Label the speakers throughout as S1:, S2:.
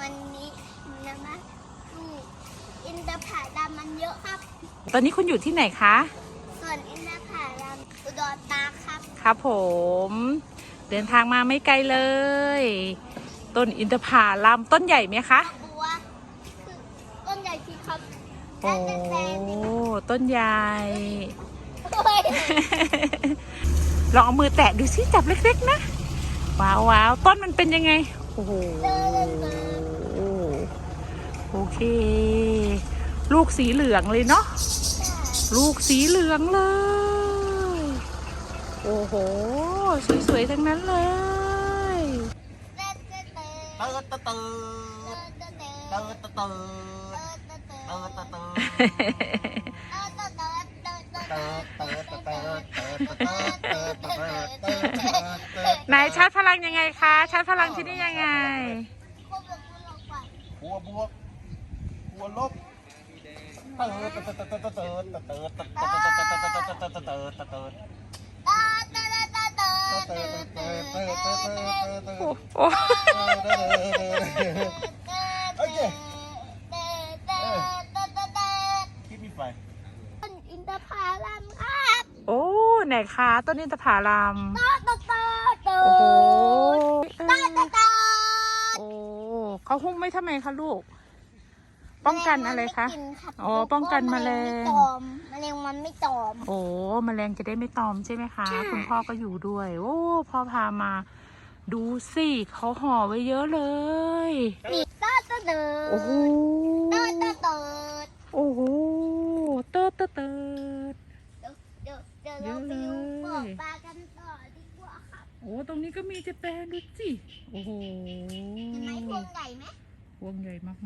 S1: มันนี้นะคะลูกอินทผลัมมันเยอะครับ
S2: ตอนนี้คุณอยู่ที่ไหนคะ
S1: ส่วนอินทผลัมอุดรธานีครับ
S2: ครับผมเดินทางมาไม่ไกลเลยต้นอินทผลัมต้นใหญ่ไหมคะ
S1: บัวคือต้นใหญ่สิครับ
S2: โอ้ต้นใหญ่ลองเอามือแตะดูสิจับเล็กๆนะว้าวว้าวต้นมันเป็นยังไงโอ้โหโอเคลูกสีเหลืองเลยเนาะลูกสีเหลืองเลยโอ้โหสวยๆทั้งนั้นเลยไหนชาร์จพลังยังไงคะชาร์จพลังที่นี่ยังไง
S3: บวกบวกบวกลบ
S2: โอ้
S3: โอเคคิดมีไฟ
S1: ต้นอินทผลัมครับ
S2: โอ้ไหนคะต้นอินทผลัม
S1: โอ้
S2: โห
S1: โอ้
S2: เขาหุ้มไม่ทำไมคะลูกป้องกันอะไรคะอ๋อป้องกันแมลง
S1: แมลงมันไม่ตอม
S2: โอ้แมลงจะได้ไม่ตอมใช่ไหมคะคุณพ่อก็อยู่ด้วยโอ้พ่อพามาดูสิเขาห่อไว้เยอะเลย
S1: นี่ต้นเติร์ด
S2: โอ้โห
S1: ต้นเติร์ด
S2: โอ้โหเติร์ดเ
S1: เดี๋ยวเราไปดูบ่อปลากันต่อดีกว่าครับ
S2: โอ้ตรงนี้ก็มีจะแปลดูสิโอ้โห
S1: เห็นไหมพวงใหญ่ไหม
S2: พวงใหญ่มาก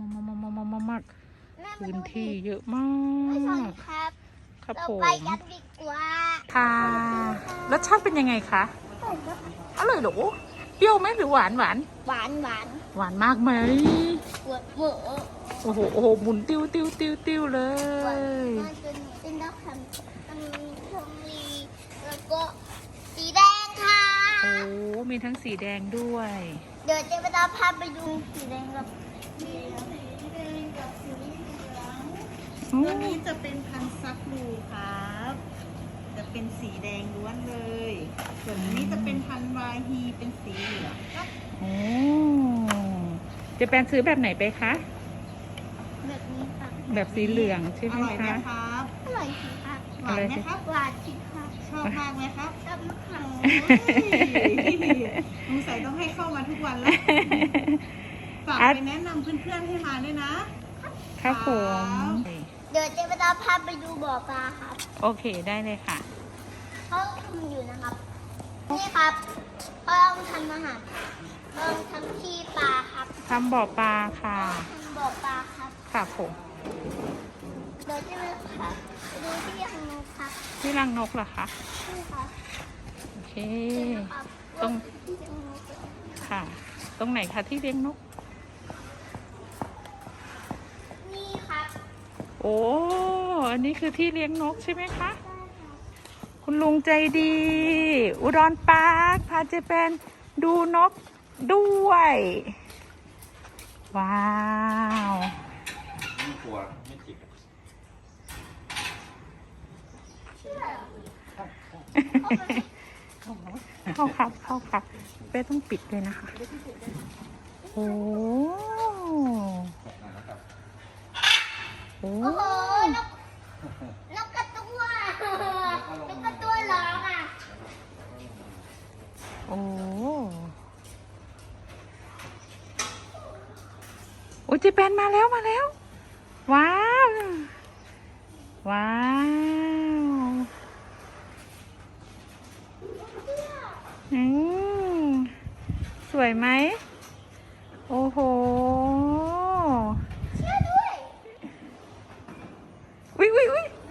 S2: พื้นที่เยอะมาก
S1: ครับ
S2: ครับ
S1: เรา
S2: ผม
S1: ไปกันดีกว่า
S2: ค่ะรสชาติเป็นยังไงคะอร่อยหรอเปรี้ยวไหมหรือหวาน
S1: หวาน
S2: มากไหม
S1: หวาน
S2: โอ้โหหมุนติ้วเลย
S1: เป็นดอกคำมีทองลีแล้วก็สีแดงค่ะ
S2: โอ้มีทั้งสีแดงด้วย
S1: เดี๋ยวเจ๊ไปตามพาไปดูสีแดงกับสีเหลือง
S4: ตัวนี้จะเป็นพันธุ์ซักลูครับจะเป็นสีแดงล้วนเลยส่วนนี้จะเป็นพันธุ์วาฮีเป็นสีเหลืองครับ
S2: โอ้จะเป็นซื้อแบบไหนไปคะ
S1: แบบนี้ค่ะ
S2: แบบสีเหลืองใช่ไหมคะ
S4: อร่อยไหมครับ
S1: อร่อยสิค่ะ
S4: หวานไหมครับ
S1: หวานสิค่ะ
S4: ชอบมากไหมครับ
S1: ชอบมากค่ะ
S4: สงสัยต้องให้เข้ามาทุกวันแล้วฝากไปแนะนำเพื่อนๆให้มาด้วยนะครับ
S2: ผม
S1: เดี๋ยวเจ๊ไปตามพาไปดูบ่อปลาครับ
S2: โอเคได้เลยค่ะ
S1: เขาทำอยู่นะครับนี่ครับเขาต้องทำอาหารต้องทำที่ปลาครับ
S2: ทำบ่อปลาค่ะ
S1: ทำบ่อปลาครับ
S2: ค่ะผม
S1: เดี๋ยวเจ๊ไปครับดูที่รังนกครับ
S2: ที่รังนกเหรอคะ
S1: ใช่ครับ
S2: โอเคตรงค่ะตรงไหนคะที่เลี้ยงนก
S1: นี่ครับ
S2: โอ้อันนี้คือที่เลี้ยงนกใช่ไหมคะคุณลุงใจดีอุดรปาร์คพาเจแปนดูนกด้วยว้าว
S3: ไม่กลัวไม่จิก
S2: เข้าครับเป้ต้องปิดเลยนะคะโอ้
S1: โอ้โหนกกระตัร้องอ่ะ
S2: โอ้เจแปนมาแล้วว้าวสวยไหมโอ้โห
S1: เชื่อด้วย
S2: อุ๊ย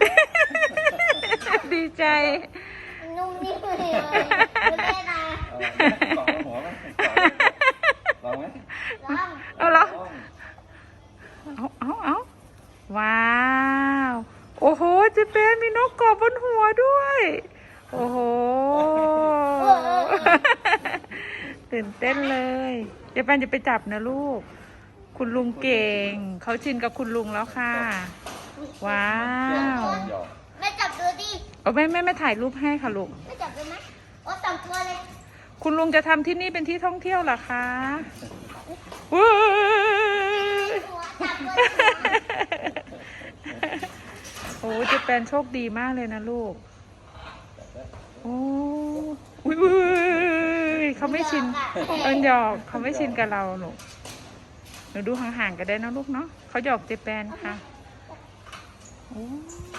S2: ดีใจ
S1: นุ่มนิ่มเลยไม่ได้นะ
S3: ลองไหม
S2: เอาว้าวโอ้โหเจแปนมีนกกอบบนหัวด้วยโอ้โหตื่นเต้นเลยเจแปนจะไปจับนะลูกคุณลุงเก่ง เขาชินกับคุณลุงแล้วค่ะ ว้าว
S3: หยอก
S1: แม่จับตัวดิ
S2: เอาไม่ถ่ายรูปให้ค่ะลูก
S1: แม่จับตัวไหมโอ้สองตัวเลย
S2: คุณลุงจะทำที่นี่เป็นที่ท่องเที่ยวเหรอคะว้าว
S1: หัวจับตัวดิ
S2: โอ้เจะเป็นโชคดีมากเลยนะลูก โอ้อุ้ยเขาไม่ชินหยอกเขาไม่ชินกับเราหนูหนูดูห่างๆกันได้นะลูกเนาะเขาหยอกเจแปนค่ะโอ้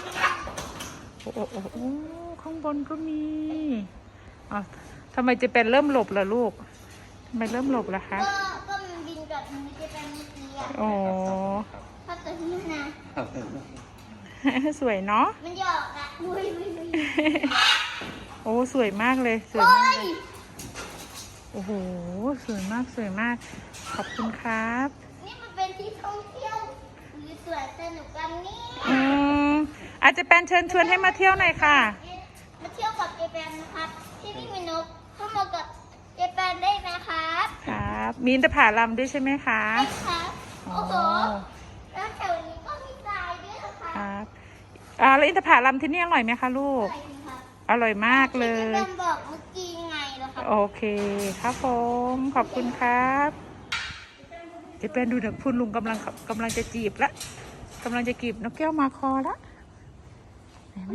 S2: โอ้ข้างบนก็มีอ๋อทำไมเจแปนเริ่มหลบล่ะลูกทำไมเริ่มหลบล่ะคะ
S1: ก็มันบินกับมันจะเป็นเมื่อกี้อ่ะ
S2: โอ้
S1: เพราะตัวนี้นะ
S2: สวยเนาะ
S1: มันหยอกอ่ะอุ้ย
S2: โอ้สวยมากเลยสวย
S1: โอ้
S2: มาก
S1: ย
S2: เลยโอ้โหสวยมากสวยมาก ขอบคุณครับ
S1: นี่มันเป็นที่ท่องเที่ยวหรือสวนสนุกกันนี่
S2: อาจจะเป็นเชิญชวนให้มาเที่ยวหน่อยค่ะ
S1: มาเที่ยวกับเจแปนนะครับ ที่นี่มีนกเข้ามากับเจแปนได้นะครับ
S2: ครับ มีอินทผลัมด้วยใช่ไหมคะ
S1: ได้ครับ
S2: อ๋อ
S1: โอ้โหแล้วแถวนี้ก็มีทรายด้วยนะค
S2: ครับ รับแล้วอินทผลัมที่นี่อร่อยไหมคะลูก
S1: ใช่ครับ
S2: อร่อยมากเล
S1: ที่
S2: ย
S1: เจแปนบอกเมื่อกี้ไงล่ะครับ
S2: โอเคครับผมขอบคุณครับเจะเป็นดูนะคุณลุงกำลังจะจีบละกำลังจะจีบนกแก้วมาคอละเห็นไหม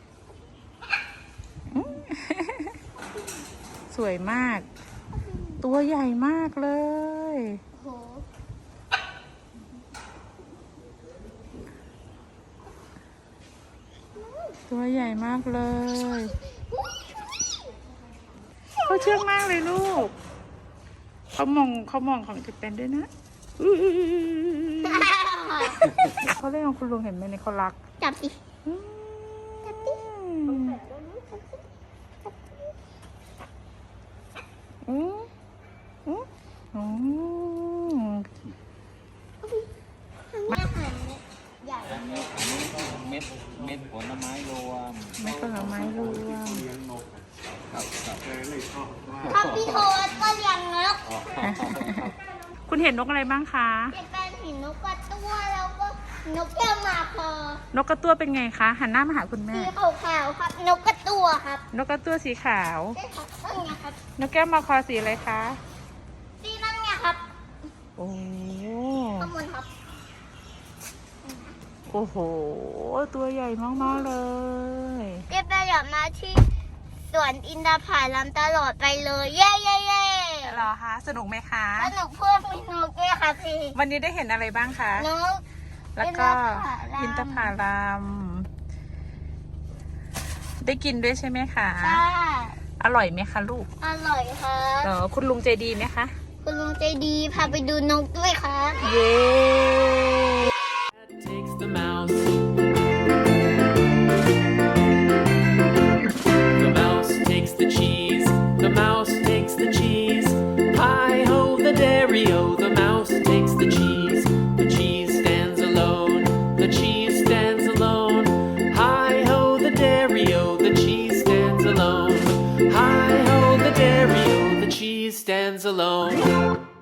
S2: อืม สวยมาก ตัวใหญ่มากเลย
S1: โอ้โห
S2: ตัวใหญ่มากเลย เขาเชื่องมากเลยลูก เขามองของจะเป็นด้วยนะอื้อเขาเล่นของคุณลุงเห็นไหมเนี่ยเขารัก
S1: จับดิ
S2: อืม
S1: จับดิ
S2: อืมอืมอืม
S1: อาหารใหญ่
S3: เม็ดผลไม้รวม
S2: ไม่ผลไม้รวม
S3: ครับครับ
S1: ถ้าพี่โทษก็เลี้ยงนก
S2: คุณเห็นนกอะไรบ้างคะ
S1: เจแปนเห็นนกกระตั้วแล้วก็นกแก้วมาพอน
S2: กกระตั้วเป็นไงคะ หันหน้ามาหาคุณแม่
S1: สีขาวๆครับ นกกระตั้วครับ
S2: นกกระตั้วสีขาว
S1: ใช่ครับนั่นไงครับ
S2: นกแก้วมาคอสีอะไรคะ
S1: สีนั่นไงครับ
S2: โอ้
S1: ข้างบนครับ
S2: โอ้โห ตัวใหญ่มากๆเลย
S1: เจแปนอยากมาที่สวนอินทผลัมตลอดไปเลย เย้เย้เย้
S2: เหรอคะ สนุกไหมคะ
S1: สนุกเพื่อนมีนกด้วยค่ะพี่
S2: วันนี้ได้เห็นอะไรบ้างคะ
S1: นก
S2: แล้วก็
S1: อิ
S2: อิน
S1: น
S2: ท
S1: ท
S2: ผ
S1: ผ
S2: ลัม ได้กินด้วยใช่ไหมคะ
S1: ใช่
S2: อร่อยไหมคะลูก
S1: อร่อยครับ
S2: เหรอคุณลุงใจดีไหมคะ
S1: คุณลุงใจดีพาไปดูนกด้วยครับ
S2: เย้
S5: Takes the mouse. The mouse takes the cheese. The mouse takes the cheese. Hi ho, the dairy-o. The mouse takes the cheese. The cheese stands alone. The cheese stands alone. Hi ho, the dairy-o. The cheese stands alone. Hi ho, the dairy-o. The cheese stands alone.